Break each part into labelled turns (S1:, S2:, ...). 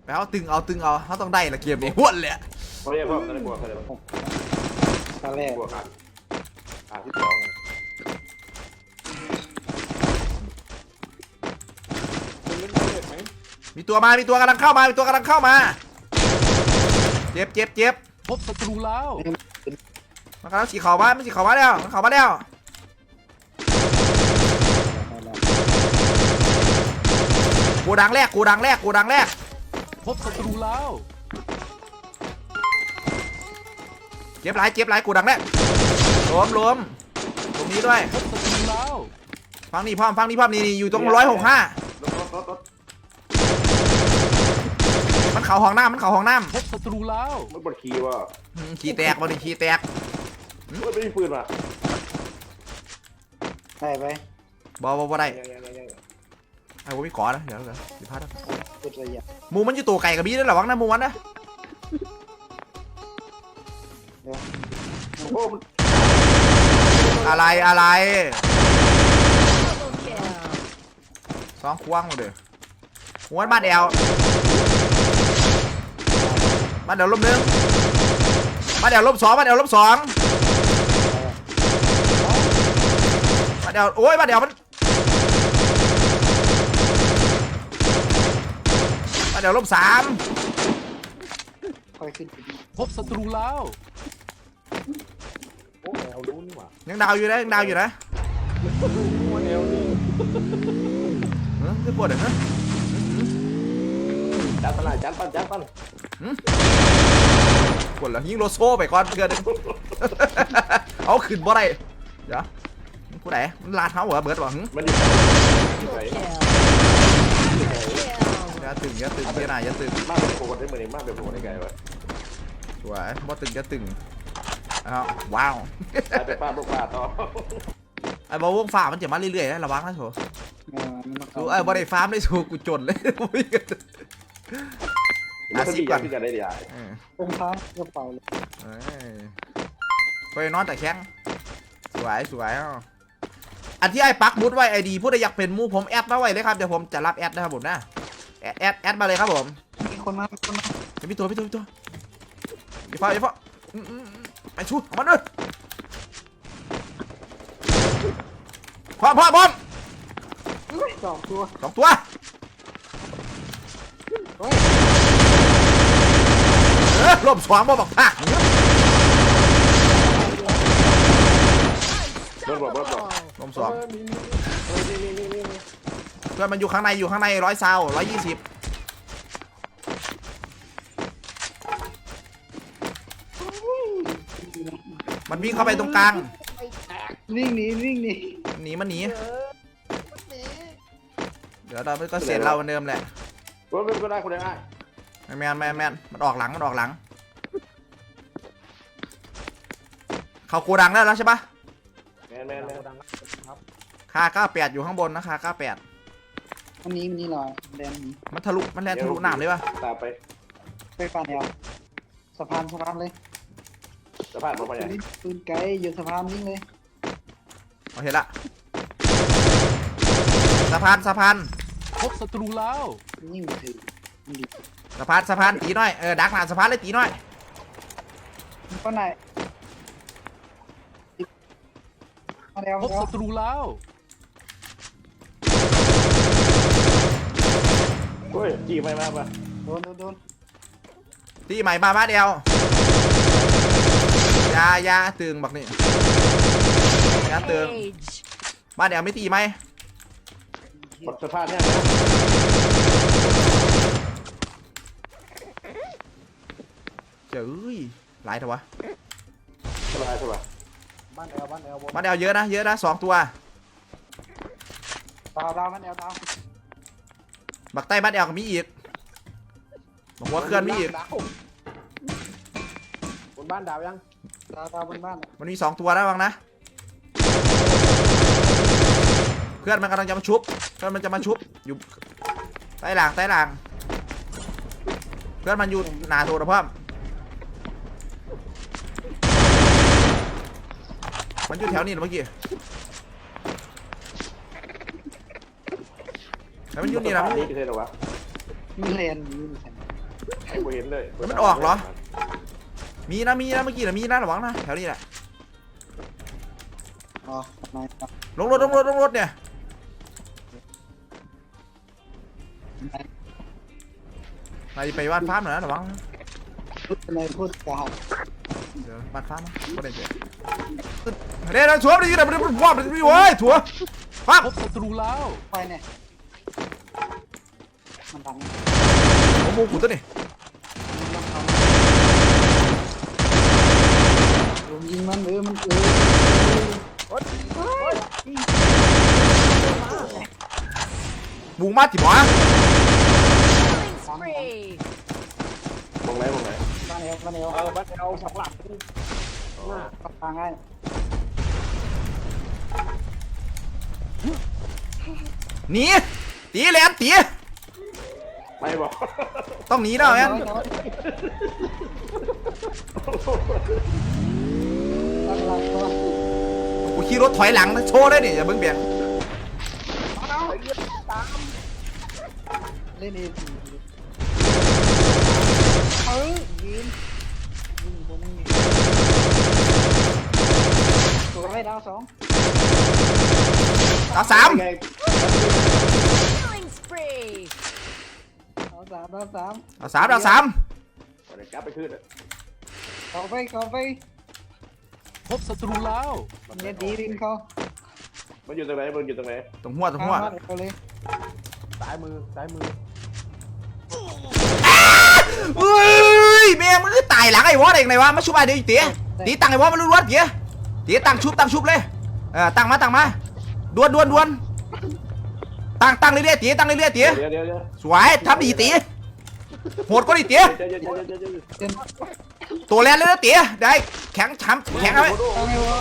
S1: ไปเอาตึงเขาต้องได้ละเกมนี้ห้วนเลย
S2: เขาเรียกว่าอะไรบวกอะไรบวก
S3: ตาแรก
S2: บวกที่สอง
S3: มันเล่นได้ไหม
S1: มีตัวกำลังเข้ามาเจ็บ
S4: พบศัตรูแล้ว
S1: มันกำลังฉีกเข่ามามันฉีกเข่ามาแล้วกูดังแรก
S4: พบศัตรูแล้ว
S1: เจ็บหลายกูดังแรกล้มตรงนี้ด้วย
S4: พบศัตรูแล้ว
S1: ฟังนี่พร้อมนี่อยู่ตรง165มันเข่าห้องน้ำ
S4: พบศัตรูแล้ว
S2: มันบดขี่ว่า
S1: ขี้แตกมัน
S2: ไม่มีปืนว่ะ
S3: ได้ไป
S1: บ่ได้ไอ้ผมมีขอนะเดี๋ยวพลาด
S3: สุดระยะ
S1: มูมันอยู่ตัวไก่กับบี้ด้วยหรอวังนะมูมันนะ
S2: โอ้มัน
S1: อะไรสองควงมาเด้อหัวบ้านแอลลบหนึ่งบ้านแอลลบสองบ้านแอลโอ้ยบ้านแอลมันบ้านแอลลบ3
S3: ค่อยขึ้นไปดี
S4: พบศัตรูแล้ว
S2: โอ้แนวรู้นี่หว่า
S1: ยังดาวอยู่นะ
S2: ว่าแนวนี้
S1: คือปวดเหรอ
S2: จัดปั้น
S1: ปวดเหรอยิงโลโซ่ไปก่อนเพื่อนเอาขึ้นบ่ได้เดี๋ยวผู้ใดมันลาดเท้าเหรอเบิร์ดบอก
S2: มันอยู่ที่ไหน
S1: อย่าตึงอย่าตึง
S2: มากเป็นโคกันได้เหมือนมากเป็นโคได้ไงวะ
S1: สวยบ่ตึงอย่าตึงอ้าวว้าว
S2: ไปป้าลูกป้าต่อ
S1: ไอ้บอลวงฟ้ามันจะมาเรื่อยๆนะระวังนะโถ
S3: มันต้อง
S1: ดูไอ้บอลได้ฟาร์มได้สูกูจนเลย
S2: 10 ก่อนที่จะได้ดี
S3: องค์พระกระเป๋าเลย
S1: ไปนอนแต่แข้งสวยอันที่ไอ้ปักมุดไว้ไอดีผู้ใดอยากเป็นมูผมแอดมาไว้เลยครับเดี๋ยวผมจะรับแอดนะครับผมนะแอดมาเลยครับผม
S3: มีคนมา
S1: พี่ตัวไปชูเอามันด้วยพร้อม
S3: สองตัว
S1: 2 ตัวลบ2บ่บอกภาค
S2: รถบอก
S1: ลม2เพื่อนมันอยู่ข้างใน100 ซาว120มันวิ่งเข้าไปตรงกลาง
S3: วิ่งหนี
S1: มันหนีเดี๋ยวเราก็เสร็จเราเหมือนเดิมแหละ
S2: รถเป็นก็ได้คนได้
S1: แมนมันออกหลังเขาโกดังแล้วใช่ปะ
S2: แมน
S1: คา98อยู่ข้างบนนะคา98
S3: อันนี้มันนี่ลอยแดง
S1: มันแลนทะลุน้ำเลยปะ
S2: ตามไป
S3: ไปฟันแนวสะพานเลย
S2: สะพานมาอย่าง
S3: ปืนไกลอยู่สะพานวิ่งเลย
S1: เอาเห็นละสะพาน
S4: พบศัตรูแล้ว
S3: ยิ่งถือ
S1: สะพานตีน้อยดักหน้าสะพานเลยตีน้อย
S3: ก็ไหนมาแล้ว
S4: พบศัตรูแล้ว
S2: เฮ้ยจีไม่มาป่ะ
S3: โดน
S1: ตีใหม่มาเดียวยาตึงบักนี่ยาตึงมาเดียวไม่ตีไหม
S2: บดสะพานเนี่ย
S1: เจ้ยหลายเถอะวะ
S2: สบาย
S3: บ้านแอล
S1: มาเดียวเยอะนะ2 ตัว
S3: ดาวบ้านแอลดาว
S1: บักใต้บ้านแอลก็มีอีกบักหัวเคลื่อนมีอีก
S2: บนบ้านดาวยัง
S3: ดาวบนบ้าน
S1: มันมี2 ตัวนะวังนะเพื่อนมันกำลังจะมาชุบอยู่ใต้หลังเพื่อนมันอยู่หนาโถนะเพิ่มมันอยู่แถวนี้เมื่อกี้แล้วมันอยู่นี่นะ
S2: นี่คือเท่าไหร่วะ
S3: มีเลน
S2: กูเห็นเลย
S1: มันออกเหรอ มีนะเมื่อกี้นะมีนะระวังนะแถวนี้แหละ
S3: อ๋อทำไมครับ
S1: ลงรถเนี่ยไปบ้านฟ้าหน่อยนะระวังนะ
S3: พูดอะไรพูดกาด
S1: เดี๋ยวบ้านฟ้ามาไม่ได้เจอเดี๋ยวนะชัวร์ดีนะมันว่ามันมีเว้ยชัวร์ฟ้า
S4: พบศัตรูแล้ว
S3: ไฟเนี่ยมันดัง
S1: โอ้โหกูตัวนี่
S3: ลงยิงมันมัน
S1: บุกมาที่หมอ
S5: Spree.
S2: มองไหน
S3: บ้านเอวบ้านเอว
S2: บ้านเอาสักหลัก
S3: ปักทางให้
S1: หนีตีแหลมตี
S2: ไปบอก
S1: ต้องหนีแล้วแอน
S3: ตั้งหลักตัว
S1: กูขี่รถถอยหลังนะโชว์เลยนี่อย่าเพิ่งเบี่ยง
S3: เล่นเองยิงผมตัวให้ดาวสอง
S1: เอาสาม
S5: Killing spree.
S3: ดาวสามดาวสาม
S1: เอาสามเอาสาม
S2: เดี๋ยวกลับไปขึ้น
S3: เข้าไป
S4: พบศัตรูแล้ว
S3: เนี่ยดีรินเขา
S2: มันอยู่ตรงไหนมันอยู่ตรงไหน
S1: ตรงหัว
S3: เอาเลย
S2: ซ้ายมือ
S1: เฮ้ยแม่มึงตายหลังไอ้วอเองไงวะมาชุบไอ้เดี๋ยวตีตีตังไอ้วอมาล้วนๆตีตังชุบเลยตังมาดวนตังเรื่อยๆตีตังเรื่อยๆตี
S2: เดี๋ยว
S1: สวยทำดีตีโหดก็ดีตี
S2: เดี๋ยว
S3: เต้น
S1: ตัวแรงเลยนะตีได้แข็งช้ำแข็งเอาไว้
S3: ตั้งให้วะ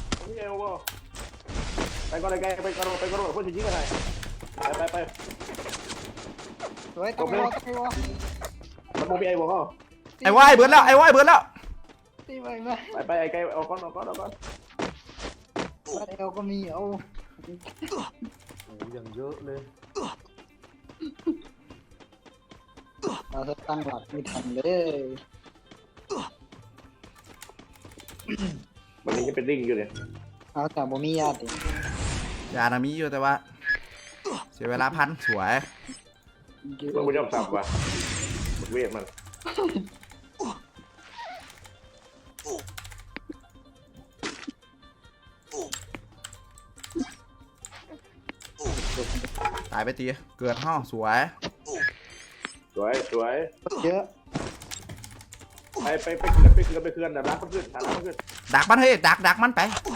S2: ไปก่อนเลยไปก่อนคนจะยิงกันไป
S3: สวยตั้งให้วะ
S2: มันมองพี่ไอ้บอกเขา
S1: ไอ้วายเบิร์ดแล้ว
S3: ตีไปไหม
S2: ไปไอ้ไก่เอาก้อน
S3: บ้านเอวก็มีเอา
S2: โอ้ยังเยอะเลย
S3: เราจะตั้งหลักไม่ทันเลย
S2: มันยังเป็นริ่งอยู่เลย
S3: เอาแต่บ่มีญาติ
S1: ยานามีอยู่แต่ว่าเสียเวลาพันสวย
S2: มันไม่ยอมสับว่ะเวทมัน
S1: ตายไปตีเกิดห้องสวย
S2: สวย
S3: เยอะ
S2: ไปเคลื่อนดับร้านขึ้น
S1: ดักมันเฮ้ยดักมันไป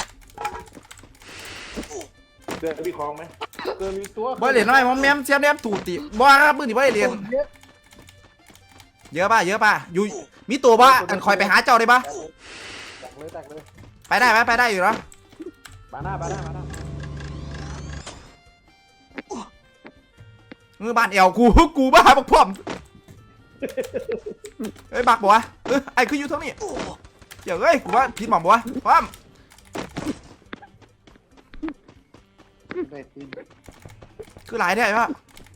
S2: เดินมีคลองไหมเดินมีตัว
S1: บ่เหรียญน้อยมอมแมมเสียมแนมตูตีบ่ครับมือนี่บ่เหรียญเยอะป่ะอยู่มีตัวป่ะอันคอยไปหาเจ้าได้ป่ะ
S2: แตกเลย
S1: ไปได้อยู่เนาะ
S2: บาหน้า
S1: มือบ้านเอวกูบ้าบักพร้อมเฮ้ยบักบ่วะไอ้คืออยู่เท่านี้เดี๋ยวเอ้ยกูว่าผิดหม่อมบ่วะพร้อม
S3: ได้ตีน
S1: คือหลายได้ป่ะ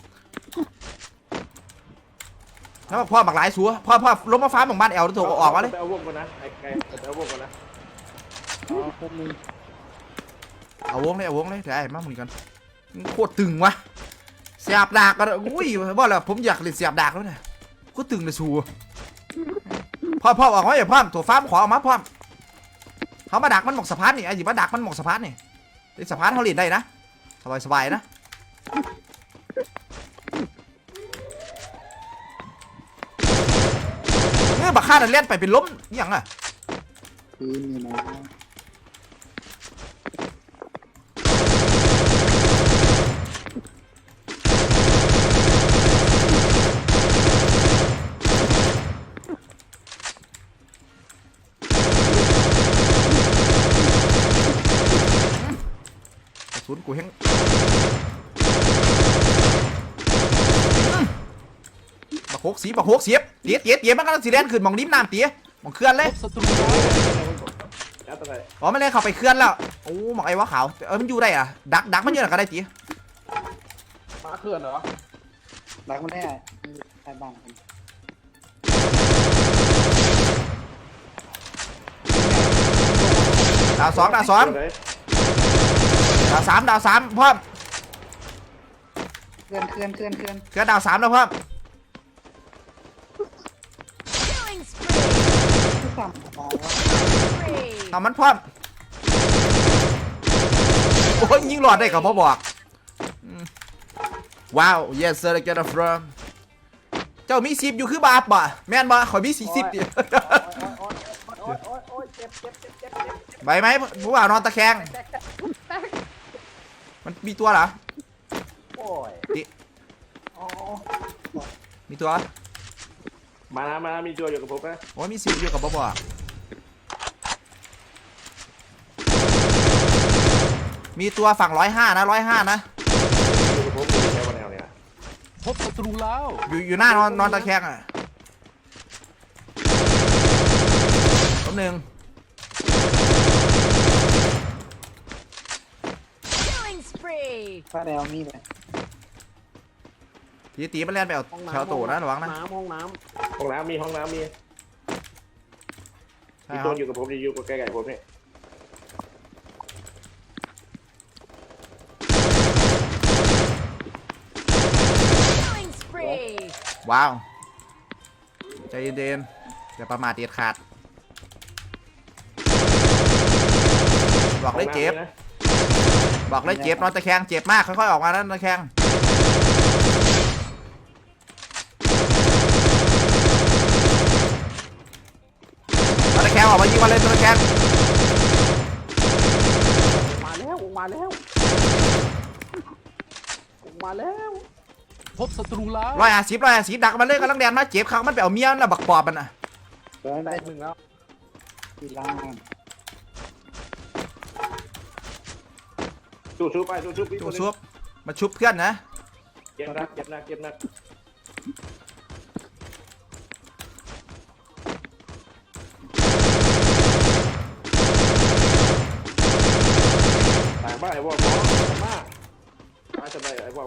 S1: แล้วพ่อบักหลายสัวพ่อล้มมาฟ้าของบ้านเอลแล้วถูกออกมาเลย
S2: ไปเอาวงก่อนนะไอ้ไก่ไปเอาวงก่อนนะ
S3: เอาพวกมึง
S1: เอาวงเลยได้มาหมุนกันโคตรตึงวะเสียบดากกันอุ้ยว่าแล้วผมอยากเล่นเสียบดากแล้วเนี่ยโคตรตึงเลยสัวพ่อออกมาอย่าพ่อถั่วฟ้าขอออกมาพ่อเขามาดักมันหมกสะพานนี่ไอ้หยิบมาดักมันหมกสะพานนี่สะพานเขาเล่นได้นะสบายนะเนี่ยบักฆ่านั่นเล่นไปเป็นล้มอย่างอ่ะ
S3: ตีนนี่นะ
S1: ศูนย์กูเฮงบักโคกเสียบเตี๋ยมันก็สีแดงขึ้นมองนิ้มน้ำเตี๋ยมองเคลื่อนเลย
S4: พบศัตรูแล้ว
S2: ยัดตรงไหน
S1: อ๋อไม่เลยเข้าไปเคลื่อนแล้วโอ้มองไอ้วะขาวมันอยู่ได้อะดักมันเยอะก็ได้เตี๋ย
S2: มาเคลื่อนเหรอ
S3: หลักมันได้ไอ้บ้าน
S1: ดาวสองดาวสอง
S2: ไหน
S1: ดาวสามดาวสามพร้อม
S3: เคลื่อน
S1: เคลื่อนดาวสามแล้วพร้อม
S5: Killing spree.
S3: ที่สั่งมาว่า
S5: Spree.
S1: เอามันพร้อมโอ้ยยิงหลอดได้กับพ่อบอกว้าว yes sir get a from เจ้ามีสิบอยู่คือบาปบ่แม่นบ่ขอมี40ดิ
S2: โอ้ยเจ็บ
S1: ใบไหมผู้บ่าวนอนตะแคงมันมีตัวเหรอ
S2: โอ้ย
S1: มีตัว
S2: มามีตัวอยู่กับผมนะ
S1: โอ้ยมีสิบอยู่กับพ่อบอกมีตัวฝั่ง105นะ105นะ
S2: อยู่กับผมอยู่แถวแนวเนี่ย
S4: พบศัตรูแล้ว
S1: อยู่หน้านอนตะแคงอ่ะล้มหนึ่ง
S5: Killing spree.
S3: ป้าแนวมีไหม
S1: ตีมันเล่นไปเอาแถวโตนะระวังนะ
S2: ห้องน้ำมี
S1: ใช่
S2: มี
S1: ค
S2: ตั
S1: รั
S2: ว
S1: บ
S2: อยู่กับผมอยู่กับใกล้ๆผมนี่
S5: Killing spree.
S1: ว้าวใจเย็นๆอย่าประมาทเด็ดขาดบอกเลยเจ็บ
S2: นะ
S1: บอกเลยเจ็บนอนตะแคงเจ็บมากค่อยๆออกมานะตะแคงนอนตะแคงออกมายิงมาเลยนอนตะแคง
S2: มาแล้ว
S4: พบศัตรูแล้ว
S1: 150ดักมันเลยกำลังแดนมาเจ็บเขามันไปเอาเมียน่ะบักปอบมันน่ะ
S3: เดินได้1แล้วที่ล่าง
S2: สู้ไปสู้
S1: ตัวซุบมาชุบเพื่อนนะ
S2: เจ็บนักต่างบ้านไอ้วอกมากมาทำไมไอ้วอก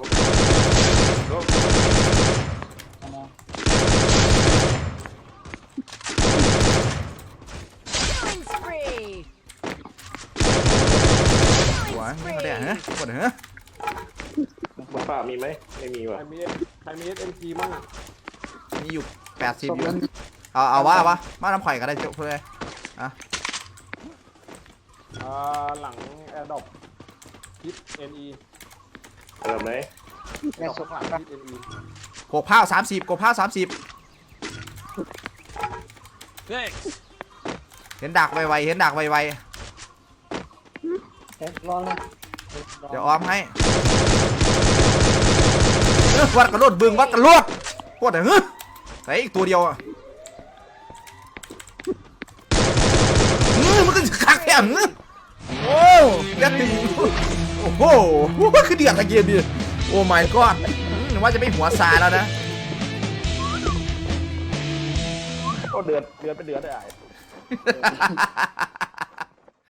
S5: Killing spree.
S1: หัว
S5: Killing
S1: นี่เขาได้
S5: spree.
S1: ฮะกดฮะ
S2: ป้ามีไหมไม่มีว่ะ
S6: ใครมี SMG มั่งอ่ะ
S1: มีอยู่80อยู่เอาว่ามาน้ำข่อยก็ได้จบเลย
S6: หลัง AirDrop คิด NE
S2: แบบไหน
S3: แม่สด
S6: หลัง
S3: ป้า
S6: คิด NE
S1: โขกผ้า30กบผ้า30
S4: Thanks
S1: เห็นดักไวๆเห็นดักไว
S3: รอเลย
S1: ๆเดี๋ยวออมให้วัดกระโดดบึงวัดกระโดดปวดเหรอใส่อีกตัวเดียวอ่ะมันก็คักแค่โอ้เดือดตีโอ้โหคือเดือดตะเกียบดิโอ้ my god ว่าจะไม่หัวซาแล้วนะ
S2: ก็เดือดเป็นเดือดได้